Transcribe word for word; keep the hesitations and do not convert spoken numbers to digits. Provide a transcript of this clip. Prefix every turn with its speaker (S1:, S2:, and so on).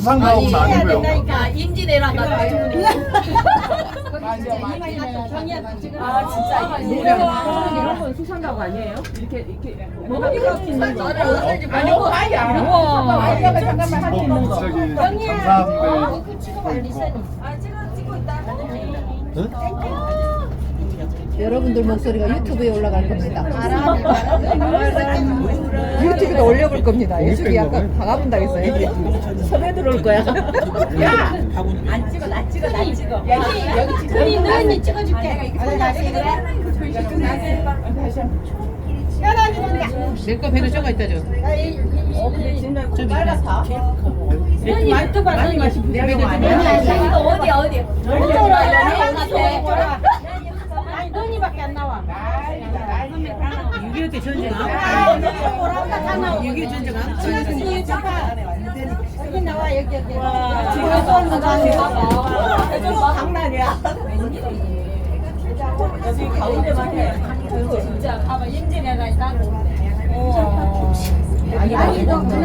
S1: 수상가옥은 아니고요.
S2: 그러니까 임진왜란 같은 분이. 아 진짜
S3: 이런 건 수상가옥 아니에요? 이렇게 이렇게 뭐가 있는 거.
S2: 아니고 아야.
S3: 우와.
S1: 잠깐만 할 수 있는 거. 저기 감사함대 있고.
S4: 여러분들 목소리가 유튜브에 올라갈 겁니다. 유튜브에 올려볼 겁니다. 유튜브 약간 박아본다겠어요. 섭외 들어올 거야.
S2: 안 찍어 나 찍어 나 찍어. 여기 여기 그리 너니 찍어줄게.
S3: 내거 배로 적어 있다 줘.
S2: 너니 유튜브 하는 거 이거 어디 어디? 아니 너니밖에 안 나와.
S3: 육이오 때 전쟁
S2: 아,
S3: 육이오 전쟁
S2: 여기 나와 여기 여기. 지금 쏘는 거 장난이야. 여기 가운데만 해. 진짜 봐봐 임진왜란이 따로. 아니 아니 너